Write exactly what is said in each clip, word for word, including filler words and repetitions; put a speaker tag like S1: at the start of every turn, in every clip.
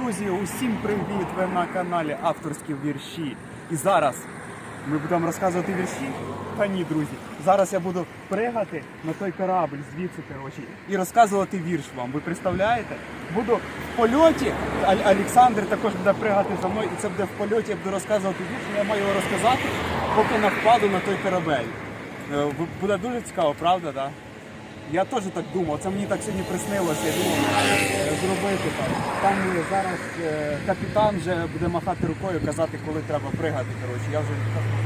S1: Друзі, усім привіт! Ви на каналі Авторські вірші. І зараз ми будемо розказувати вірші? Та ні, друзі. Зараз я буду пригати на той корабль звідси, коротше, і розказувати вірш вам. Ви представляєте? Буду в польоті, а Олександр також буде пригати за мною, і це буде в польоті, я буду розказувати вірш, і я маю його розказати, поки не впаду на той корабель. Буде дуже цікаво, правда, так? Я теж так думав, це мені так сьогодні приснилося, я думав зробити так. Там зараз е, капітан вже буде махати рукою, казати, коли треба пригати. Коротше. Я вже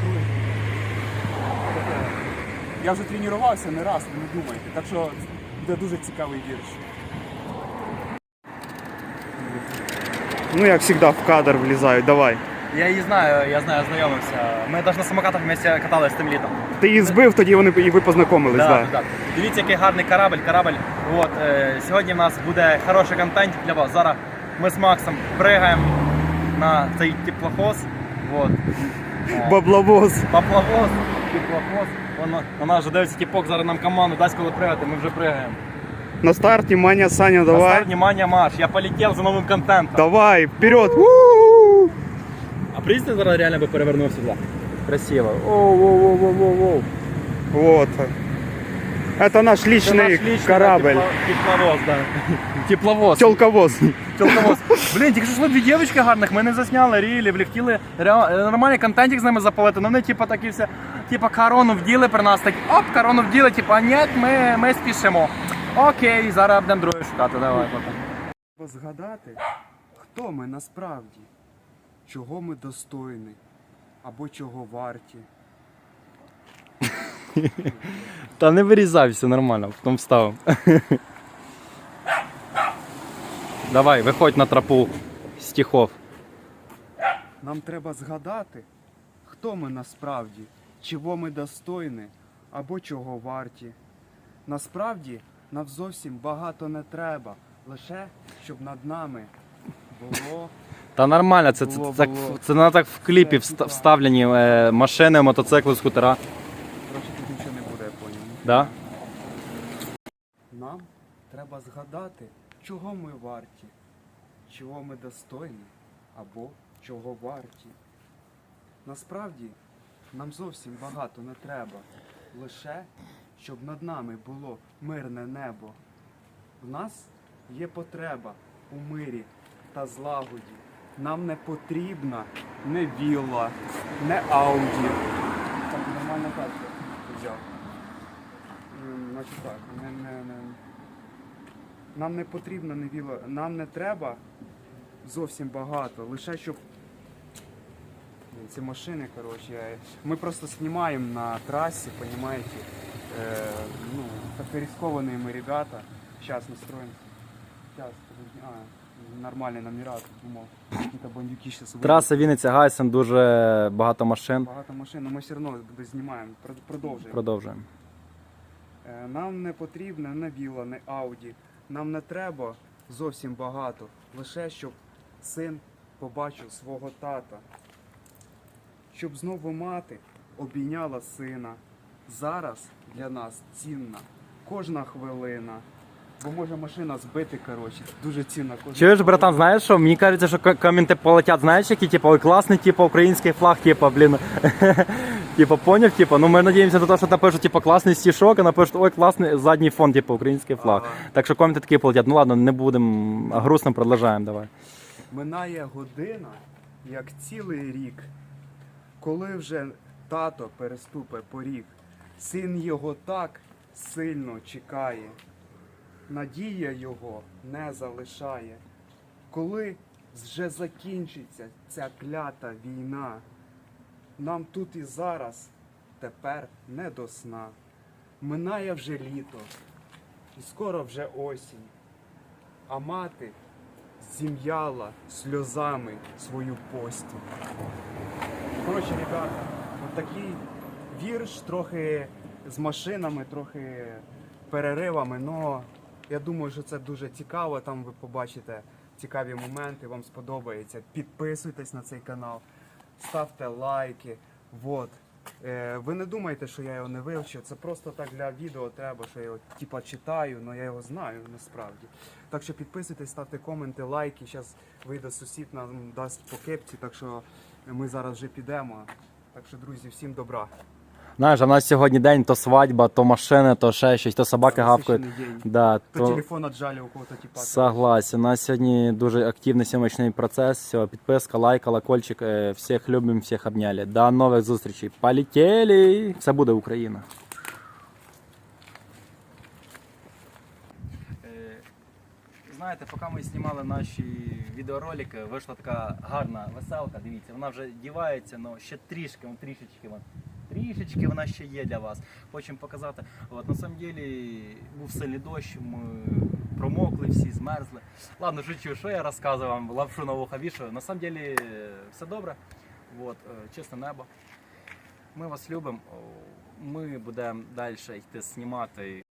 S1: я вже тренувався не раз, ви не думайте. Так що буде дуже цікавий вірш. Ну як завжди в кадр влізають, давай.
S2: Я її знаю, я знаю, ознайомився. Ми навіть на самокатах вместе каталися тим літом.
S1: Ти її збив, тоді вони і ви познайомились,
S2: да,
S1: так?
S2: Да. Дивіться, який гарний корабль. корабль. От, е, сьогодні в нас буде хороший контент для вас. Зараз ми з Максом пригаємо на цей теплохоз. От.
S1: Бабловоз.
S2: Бабловоз, теплохоз. Воно, на нас вже дивиться тіпок, зараз нам команду дасть, коли пригати, ми вже пригаємо.
S1: На старт, внимание, Саня, давай.
S2: На старт, внимание, марш. Я полетів за новим контентом.
S1: Давай, вперед.
S2: А прийдете зараз реально би перевернув сюди. Красиво. Оу-оу-оу-оу-оу.
S1: Вот. Это наш личный корабль.
S2: Тепловоз, да. Тепловоз.
S1: Телковоз.
S2: Телковоз. Блін, тільки що йшли дві дівчинки гарних, ми не засняли рілі, вліктіли нормальний контентик з ними запалити, але вони типу такі все, типу корону вділи при нас, так оп, корону вділи, типу, а ні, ми, ми спішимо. Окей, зараз будемо другу шукати, давай потім.
S1: Треба згадати, хто ми насправді, чого ми достойні, або чого варті.
S2: Та не вирізай, все нормально, потім вставимо. Давай, виходь на тропу стихов.
S1: Нам треба згадати, хто ми насправді, чого ми достойні, або чого варті. Насправді, нам зовсім багато не треба, лише, щоб над нами було...
S2: Та нормально, це, це, це, це, це на так в кліпі вста- вставлені е, машини, мотоцикли, скутера.
S1: Короче, тут нічого не буде, я поняв.
S2: Да?
S1: Нам треба згадати, чого ми варті, чого ми достойні, або чого варті. Насправді, нам зовсім багато не треба, лише, щоб над нами було мирне небо. В нас є потреба у мирі та злагоді. Нам не потрібна не вілла, не ауді. Так, нормально так взяв. Значить так, не, не, не. Нам не потрібно не вілла, нам не треба зовсім багато, лише щоб ці машини, коротше, ми просто знімаємо на трасі, розумієте, е, ну, так рисковані ми ребята, зараз настроїмо, зараз, а, нормальний номера, думав, якісь бандюки зараз вийдуть.
S2: Траса Вінниця-Гайсен, дуже багато машин.
S1: Багато машин, але ми все одно знімаємо, продовжуємо.
S2: Продовжуємо.
S1: Е, Нам не потрібно не вілла, не ауді. Нам не треба зовсім багато. Лише щоб син побачив свого тата. Щоб знову мати обійняла сина. Зараз для нас цінна кожна хвилина. Бо може машина збити, коротше, дуже цінна кожна.
S2: Чуєш, братан, знаєш що? Мені кажеться, що к- коменти полетять, знаєш, які, типу, ой, класний, типу, український флаг, типу, блін. Типу, поняв, типу, ну ми надіємося на те, що напишуть, типу, класний стишок, а напишуть, ой, класний задній фон, типу, український флаг.
S1: Ага.
S2: Так що коменти такі полетять. Ну ладно, не будемо грустно, продовжаємо, давай.
S1: Минає година, як цілий рік, коли вже тато переступе поріг, син його так сильно чекає, надія його не залишає. Коли вже закінчиться ця клята війна, нам тут і зараз тепер не до сна. Минає вже літо, і скоро вже осінь, а мати зім'яла сльозами свою постіль. Коротше, ребята, от такий вірш, трохи з машинами, трохи переривами, але я думаю, що це дуже цікаво, там ви побачите цікаві моменти, вам сподобається. Підписуйтесь на цей канал, ставте лайки. Вот. Е, ви не думайте, що я його не вивчив. Це просто так для відео треба, що я його типа читаю, але я його знаю насправді. Так що підписуйтесь, ставте коменти, лайки. Зараз вийде сусід, нам дасть по кепці, так що ми зараз вже підемо. Так що, друзі, всім добра.
S2: Знаєш, а в нас сьогодні день, то свадьба, то машини, то ще щось, то собаки гавкають.
S1: Насичений день.
S2: Да,
S1: То,
S2: то...
S1: телефон отжали у кого-то типа.
S2: Согласен. У нас сьогодні дуже активний сьомочний процес. Все, підписка, лайк, колокольчик. Е, Всіх любимо, всіх обняли. До нових зустрічей. Полетели! Все буде Україна. Знаєте, поки ми знімали наші відеоролики, вийшла така гарна веселка. Дивіться, вона вже дівається, але ще трішки, вон, трішечки, вон, трішечки вона ще є для вас. Хочемо показати. От, на самом деле був сильний дощ, ми промокли всі, змерзли. Ладно, жучу, що я розказую вам, лапшу на вуха вішаю. На самом деле все добре. От, чисте небо. Ми вас любимо. Ми будемо далі йти знімати.